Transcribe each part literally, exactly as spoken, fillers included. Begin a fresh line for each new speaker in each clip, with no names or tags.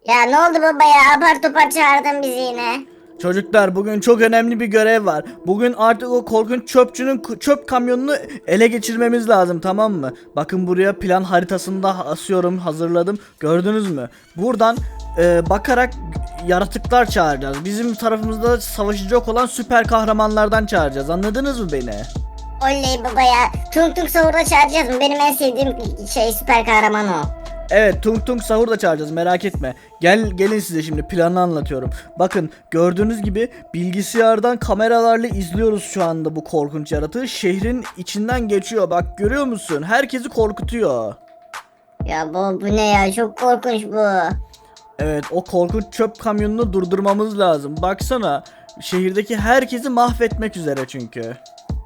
Ya ne oldu baba ya? Apar topar çağırdın bizi yine.
Çocuklar bugün çok önemli bir görev var. Bugün artık o korkunç çöpçünün k- çöp kamyonunu ele geçirmemiz lazım, tamam mı? Bakın buraya plan haritasını da asıyorum, hazırladım. Gördünüz mü? Buradan e, bakarak yaratıklar çağıracağız. Bizim tarafımızda savaşacak olan süper kahramanlardan çağıracağız. Anladınız mı beni?
Oley baba ya. Tung Tung Sahur'da çağıracağız mı? Benim en sevdiğim şey süper kahraman o.
Evet, Tung Tung Sahur da çağıracağız, merak etme. Gel gelin size şimdi planı anlatıyorum. Bakın gördüğünüz gibi bilgisayardan kameralarla izliyoruz şu anda bu korkunç yaratığı. Şehrin içinden geçiyor, bak görüyor musun? Herkesi korkutuyor.
Ya bu, bu ne ya? Çok korkunç bu.
Evet, o korkunç çöp kamyonunu durdurmamız lazım. Baksana, şehirdeki herkesi mahvetmek üzere çünkü.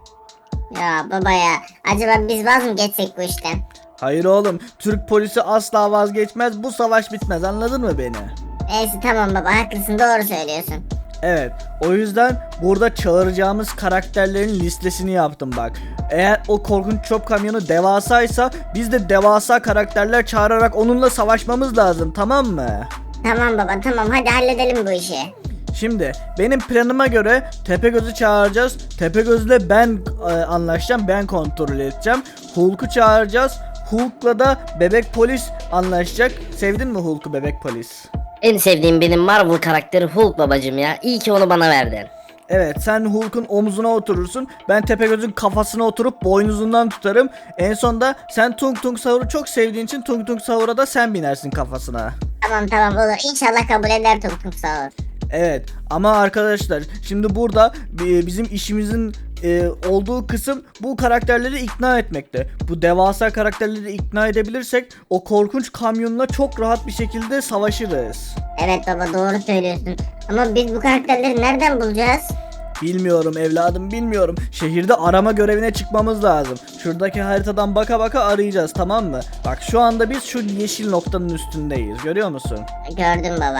Ya baba ya. Acaba biz vaz mı geçsek bu işten?
Hayır oğlum, Türk polisi asla vazgeçmez, bu savaş bitmez, anladın mı beni?
Neyse tamam baba, haklısın, doğru söylüyorsun.
Evet, o yüzden burada çağıracağımız karakterlerin listesini yaptım bak. Eğer o korkunç çöp kamyonu devasaysa biz de devasa karakterler çağırarak onunla savaşmamız lazım, tamam mı?
Tamam baba, tamam, hadi halledelim bu işi.
Şimdi benim planıma göre Tepegöz'ü çağıracağız. Tepegöz'le ben e, anlaşacağım, ben kontrol edeceğim. Hulk'u çağıracağız. Hulk'la da Bebek Polis anlaşacak. Sevdin mi Hulk'u, Bebek Polis?
En sevdiğim benim Marvel karakteri Hulk babacım ya. İyi ki onu bana verdin.
Evet, sen Hulk'un omzuna oturursun. Ben Tepegöz'ün kafasına oturup boynuzundan tutarım. En sonda sen Tung Tung Sahur'u çok sevdiğin için Tung Tung Sahur'a da sen binersin kafasına.
Tamam tamam olur, İnşallah kabul eder Tung Tung Sahur.
Evet ama arkadaşlar şimdi burada e, bizim işimizin e, olduğu kısım bu karakterleri ikna etmekte. Bu devasa karakterleri ikna edebilirsek o korkunç kamyonla çok rahat bir şekilde savaşırız.
Evet baba, doğru söylüyorsun. Ama biz bu karakterleri nereden bulacağız?
Bilmiyorum evladım, bilmiyorum. Şehirde arama görevine çıkmamız lazım. Şuradaki haritadan baka baka arayacağız, tamam mı? Bak şu anda biz şu yeşil noktanın üstündeyiz, görüyor musun?
Gördüm baba.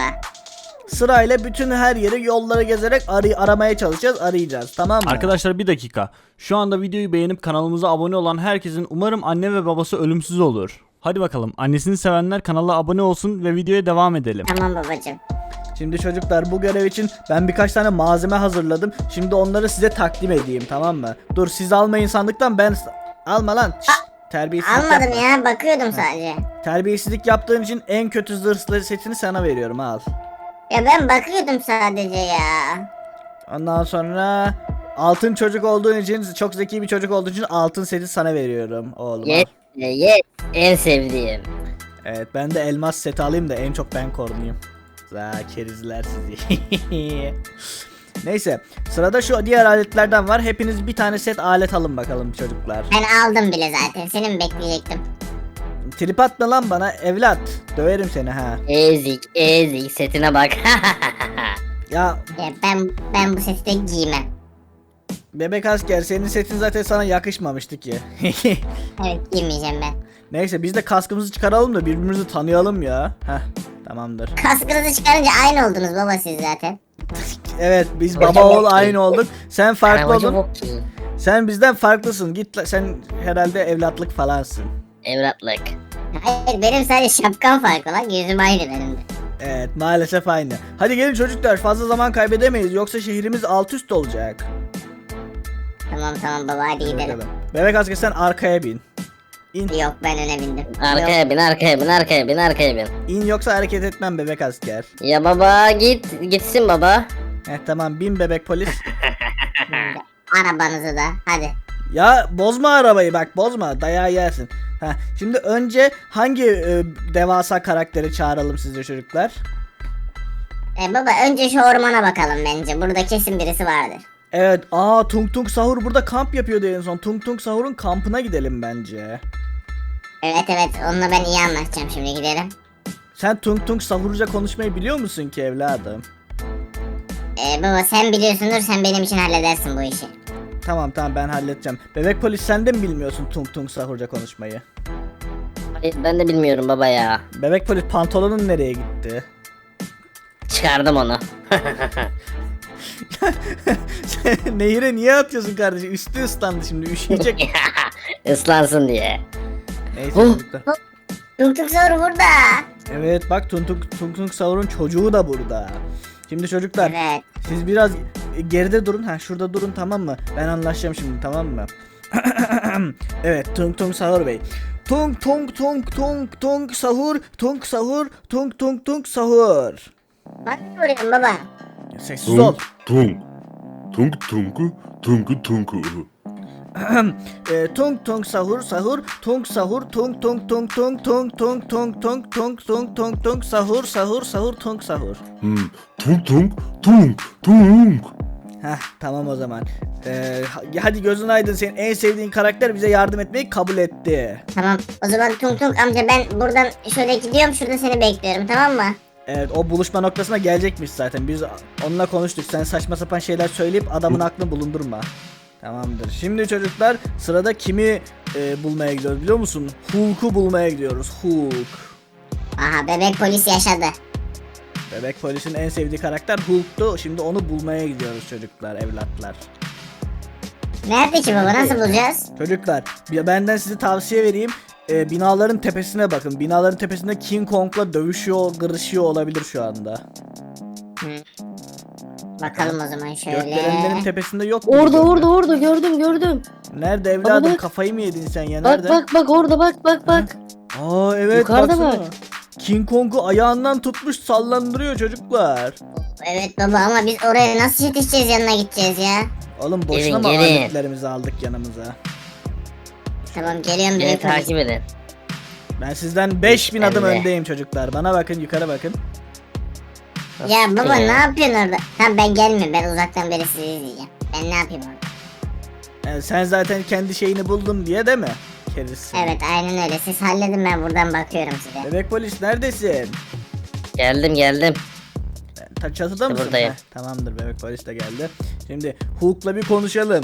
Sırayla bütün her yeri, yolları gezerek arı aramaya çalışacağız, arayacağız, tamam mı?
Arkadaşlar bir dakika. Şu anda videoyu beğenip kanalımıza abone olan herkesin umarım anne ve babası ölümsüz olur. Hadi bakalım, annesini sevenler kanala abone olsun ve videoya devam edelim.
Tamam babacım.
Şimdi çocuklar bu görev için ben birkaç tane malzeme hazırladım. Şimdi onları size takdim edeyim, tamam mı? Dur siz almayın sandıktan, ben... Alma lan. Şşt, terbiyesizlik
Almadım
yapma.
ya, bakıyordum sadece.
Terbiyesizlik yaptığın için en kötü zırhlı setini sana veriyorum, al.
Ya ben bakıyordum sadece ya.
Ondan sonra altın çocuk olduğun için, çok zeki bir çocuk olduğun için altın seti sana veriyorum oğlum. al.
Yes, yes, en sevdiğim.
Evet, ben de elmas seti alayım da en çok ben korunayım. Za kerizler sizi. Neyse, sırada şu diğer aletlerden var. Hepiniz bir tane set alet alın bakalım çocuklar.
Ben aldım bile zaten, seni mi bekleyecektim?
Trip atma lan bana evlat. Döverim seni ha.
Ezik, ezik setine bak.
Ya
Ya ben ben bu sesi de giymem.
bebek asker, senin setin zaten sana yakışmamıştı ki.
Evet, giymeyeceğim ben.
Neyse biz de kaskımızı çıkaralım da birbirimizi tanıyalım ya. Heh, tamamdır.
Kaskınızı çıkarınca aynı oldunuz baba siz zaten.
Evet, biz baba oğul aynı olduk. Sen farklı
Arabacı
oldun.
bok ki.
Sen bizden farklısın. Git la- sen herhalde evlatlık falansın.
Evlatlık.
Hayır, benim sadece şapkam farklı lan, yüzüm aynı benim de.
Evet, maalesef aynı. Hadi gelin çocuklar, fazla zaman kaybedemeyiz yoksa şehrimiz alt üst olacak.
Tamam tamam baba, hadi
Hadi
gidelim.
bakalım. Bebek asker sen arkaya bin. İn.
Yok, ben öne bindim.
Arkaya bin, arkaya bin, arkaya bin, arkaya bin.
İn yoksa hareket etmem bebek asker.
Ya baba git, gitsin baba.
Heh, tamam, bin bebek polis.
Yok. Arabanızı da hadi.
Ya bozma arabayı, bak bozma, dayağı yersin. Heh, şimdi önce hangi e, devasa karakteri çağıralım sizce çocuklar?
E baba, önce şu ormana bakalım bence. Burada kesin birisi vardır.
Evet, aa Tung Tung Sahur burada kamp yapıyordu en son. Tung Tung Sahur'un kampına gidelim bence.
Evet evet, onunla ben iyi anlaşacağım, şimdi gidelim.
Sen Tung Tung Sahurca konuşmayı biliyor musun ki evladım?
E baba, sen biliyorsundur, sen benim için halledersin bu işi.
Tamam tamam, ben halledeceğim. Bebek polis, sen de mi bilmiyorsun Tung Tung Sahurca konuşmayı?
Hayır, ben de bilmiyorum baba ya.
Bebek polis, pantolonun nereye gitti?
Çıkardım onu.
Sen nehire niye atıyorsun kardeşim? Üstü ıslandı, şimdi üşüyecek.
Islansın diye.
Neyse
Oh.
çocuklar.
Tung Tung Sahur burada.
Evet bak Tung Tung, Tung Tung Sahur'un çocuğu da burada. Şimdi çocuklar
Evet.
siz biraz geride durun. Ha şurada durun tamam mı? Ben anlaşacağım şimdi tamam mı? Evet Tung Tung Sahur Bey. Tung tung tung tung tung sahur, tung sahur, tung tung tung sahur.
Bak vuruyorum baba.
Sessiz ol.
tung tung tung tung tung tung.
E, tung tung sahur sahur, tung sahur, tung tung tung tung tung tung tung tung tung tung tung tung sahur sahur sahur tung sahur.
Hmm, tung tung tung tung.
Heh tamam o zaman. Ee, hadi gözün aydın, senin en sevdiğin karakter bize yardım etmeyi kabul etti.
Tamam o zaman Tung Tung amca ben buradan şöyle gidiyorum, şurada seni bekliyorum, tamam mı?
Evet o buluşma noktasına gelecekmiş zaten. Biz onunla konuştuk. Sen saçma sapan şeyler söyleyip adamın aklını bulundurma. Tamamdır. Şimdi çocuklar sırada kimi e, bulmaya gidiyoruz biliyor musun? Hulk'u bulmaya gidiyoruz. Hulk.
Aha, bebek polis yaşadı.
Bebek polisin en sevdiği karakter Hulk'tu. Şimdi onu bulmaya gidiyoruz çocuklar, evlatlar.
Nerede ki baba, nasıl bulacağız?
Çocuklar bir- benden size tavsiye vereyim. Ee, binaların tepesine bakın. Binaların tepesinde King Kong'la dövüşüyor, kırışıyor olabilir şu anda.
Hı. Bakalım o zaman şöyle.
Gökdelenlerin tepesinde yok mu?
Orada orada orada gördüm gördüm.
Nerede evladım?
bak.
Kafayı mı yedin sen ya?
Bak
Nerede?
bak bak orada bak bak bak.
Aa evet
Yukarıda
baksana.
bak.
King Kong'u ayağından tutmuş sallandırıyor çocuklar.
Evet baba ama biz oraya nasıl yetişeceğiz, yanına gideceğiz ya?
Oğlum boşuna
Gelin,
mı
gelin.
aletlerimizi aldık yanımıza?
Tamam geliyorum
Beni
bebek polis.
takip edin.
Ben sizden beş bin adım
Ben de.
öndeyim çocuklar. Bana bakın, yukarı bakın.
Ya baba
Ya.
ne yapıyorsun orada? Tamam ben gelmiyorum, ben uzaktan beri sizi izleyeceğim. Ben ne yapayım orada?
Yani sen zaten kendi şeyini buldun diye değil mi? Keriz.
Evet aynen öyle, siz halledin, ben buradan bakıyorum size.
Bebek polis neredesin?
Geldim geldim.
Ta çatıda mısın?
Buradayım.
Heh, tamamdır, bebek polis de geldi. Şimdi Hulk'la bir konuşalım.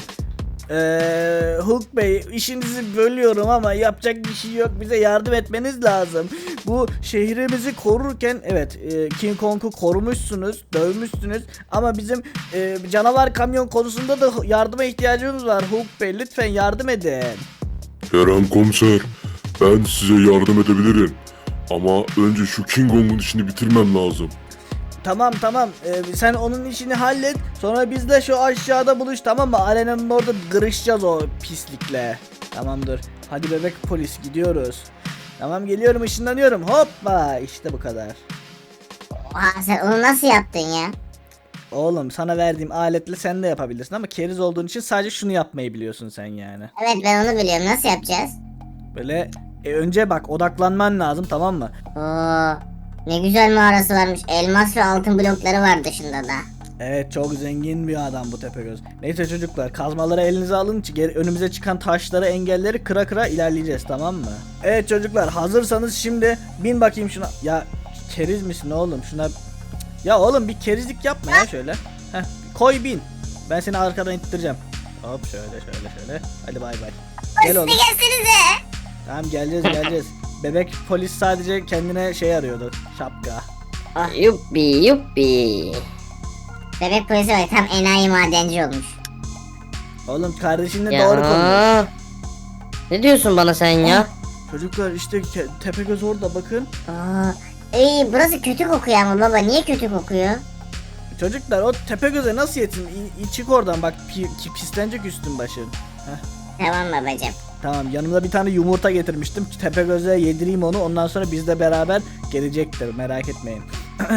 Ee, Hulk Bey, işinizi bölüyorum ama yapacak bir şey yok. Bize yardım etmeniz lazım. Bu şehrimizi korurken evet e, King Kong'u korumuşsunuz, dövmüşsünüz ama bizim e, canavar kamyon konusunda da yardıma ihtiyacımız var. Hulk Bey lütfen yardım edin.
Kerem komiser, ben size yardım edebilirim. Ama önce şu King Kong'un işini bitirmem lazım.
Tamam tamam Ee, sen onun işini hallet, sonra biz de şu aşağıda buluş, tamam mı? Arenanın orada kırışacağız o pislikle. Tamamdır, hadi bebek polis gidiyoruz. Tamam geliyorum, ışınlanıyorum, hoppa işte bu kadar.
Oha, sen onu nasıl yaptın ya?
Oğlum sana verdiğim aletle sen de yapabilirsin ama keriz olduğun için sadece şunu yapmayı biliyorsun sen yani.
Evet ben onu biliyorum, nasıl yapacağız?
Böyle e, önce bak odaklanman lazım, tamam mı?
Oo, ne güzel mağarası varmış, elmas ve altın blokları var dışında da.
Evet çok zengin bir adam bu Tepegöz. Neyse çocuklar, kazmaları elinize alın, geri- önümüze çıkan taşları, engelleri kıra kıra ilerleyeceğiz, tamam mı? Evet çocuklar, hazırsanız şimdi bin bakayım şuna. Ya keriz misin oğlum, şuna. Ya oğlum bir kerizlik yapma ya şöyle. Heh, koy bin. Ben seni arkadan ittireceğim. Hop şöyle şöyle şöyle. Hadi bay bay. Gel oğlum.
Gelsenize.
Tamam geleceğiz geleceğiz. Bebek polis sadece kendine şey arıyordu. Şapka.
Yuppi yuppi.
Bebek polisi var, tam enayi madenci olmuş.
Oğlum kardeşinle
Ya.
doğru konuş.
Ne diyorsun bana sen ya?
Çocuklar işte ke- Tepegöz orada bakın.
Oo, iyi, burası kötü kokuyor ama baba, niye kötü kokuyor?
Çocuklar o Tepegöz'e nasıl yetin? İ- çık oradan bak, pi- ki- pislenecek üstün başın.
Tamam babacım.
Tamam, yanımda bir tane yumurta getirmiştim. Tepegöz'e yedireyim onu, ondan sonra bizle beraber gelecektir, merak etmeyin.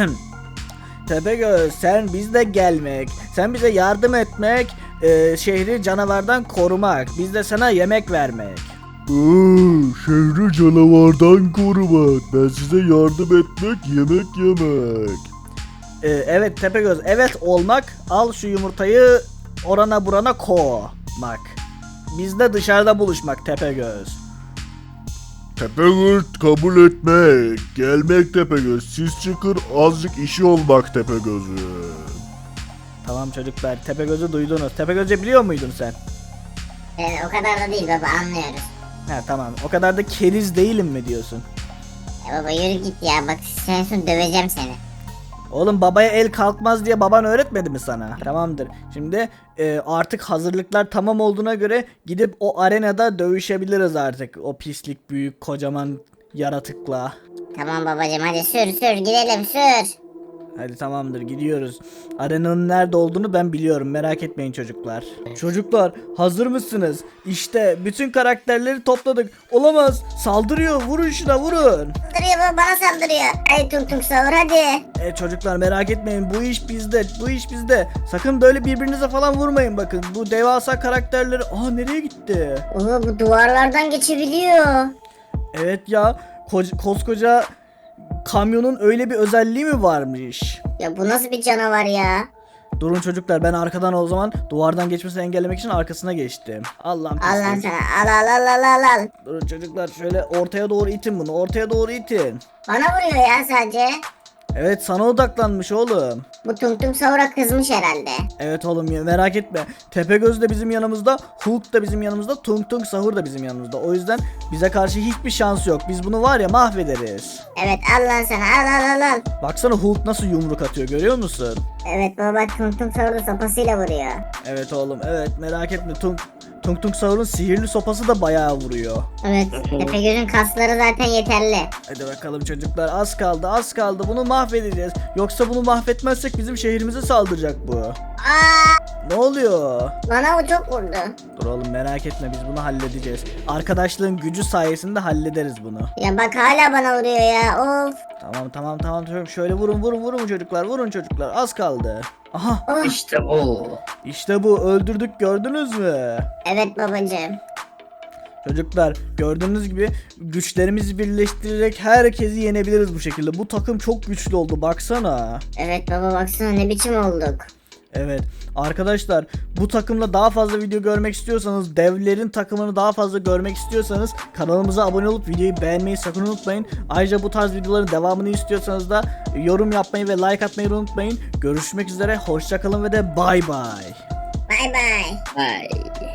Tepegöz sen bizle gelmek, sen bize yardım etmek, e, şehri canavardan korumak, biz de sana yemek vermek.
şehri canavardan korumak. Ben size yardım etmek, yemek yemek.
E, evet Tepegöz, evet olmak, al şu yumurtayı orana burana koymak. Biz de dışarıda buluşmak Tepegöz.
Tepegöz kabul etmek, gelmek Tepegöz. Siz çıkın, azıcık işi olmak Tepegöz'ü.
Tamam çocuklar, Tepegöz'ü duydunuz. Tepegöz'ü biliyor muydun sen?
Yani o kadar da değil baba, anlıyoruz.
Ha tamam, o kadar da keriz değilim mi diyorsun?
Ya baba yürü git ya, bak sen son döveceğim seni.
Oğlum babaya el kalkmaz diye baban öğretmedi mi sana? Tamamdır. Şimdi e, artık hazırlıklar tamam olduğuna göre gidip o arenada dövüşebiliriz artık. O pislik büyük kocaman yaratıkla.
Tamam babacım hadi sür sür gidelim sür.
Hadi tamamdır gidiyoruz. Arenanın nerede olduğunu ben biliyorum, merak etmeyin çocuklar. Çocuklar hazır mısınız? İşte bütün karakterleri topladık. Olamaz, saldırıyor, vurun şuna vurun.
Saldırıyor baba, bana saldırıyor. Hadi tung tung sahur hadi.
E çocuklar merak etmeyin, bu iş bizde, bu iş bizde. Sakın böyle birbirinize falan vurmayın bakın. Bu devasa karakterleri... Aa nereye gitti?
Oha bu duvarlardan geçebiliyor.
Evet ya, ko- koskoca kamyonun öyle bir özelliği mi varmış?
Ya bu nasıl bir canavar ya?
Durun çocuklar, ben arkadan o zaman duvardan geçmesini engellemek için arkasına geçtim. Allah'ım
Al lan
pislik.
sana al al al al al al.
Durun çocuklar, şöyle ortaya doğru itin bunu, ortaya doğru itin.
Bana vuruyor ya sadece.
Evet sana odaklanmış oğlum.
Bu tung tung sahura kızmış herhalde.
Evet oğlum ya, merak etme. Tepegöz de bizim yanımızda, Hulk da bizim yanımızda, Tung Tung Sahur da bizim yanımızda. O yüzden bize karşı hiçbir şansı yok. Biz bunu var ya mahvederiz.
Evet al lan sana al al al al.
Baksana Hulk nasıl yumruk atıyor, görüyor musun?
Evet baba tung tung sahur da sopasıyla vuruyor.
Evet oğlum, evet merak etme. Tung Tung Tung Sahur'un sihirli sopası da bayağı vuruyor.
Evet Tepegöz'ün kasları zaten yeterli.
Hadi bakalım çocuklar, az kaldı az kaldı, bunu mahvedeceğiz. Yoksa bunu mahvetmezsek bizim şehrimize saldıracak bu.
Aa,
Ne oluyor?
bana o çok vurdu.
Dur oğlum merak etme, biz bunu halledeceğiz. Arkadaşlığın gücü sayesinde hallederiz bunu.
Ya bak hala bana vuruyor ya of.
Tamam tamam tamam tamam, şöyle vurun vurun vurun çocuklar, vurun çocuklar, az kaldı. Aha
Oh.
İşte bu.
işte bu, öldürdük, gördünüz mü?
Evet babacığım.
Çocuklar gördüğünüz gibi güçlerimizi birleştirerek herkesi yenebiliriz bu şekilde. Bu takım çok güçlü oldu, baksana.
Evet baba baksana ne biçim olduk.
Evet arkadaşlar, bu takımla daha fazla video görmek istiyorsanız, devlerin takımını daha fazla görmek istiyorsanız kanalımıza abone olup videoyu beğenmeyi sakın unutmayın. Ayrıca bu tarz videoların devamını istiyorsanız da yorum yapmayı ve like atmayı unutmayın. Görüşmek üzere, hoşçakalın ve de bay bay.
Bay bay.
Vay.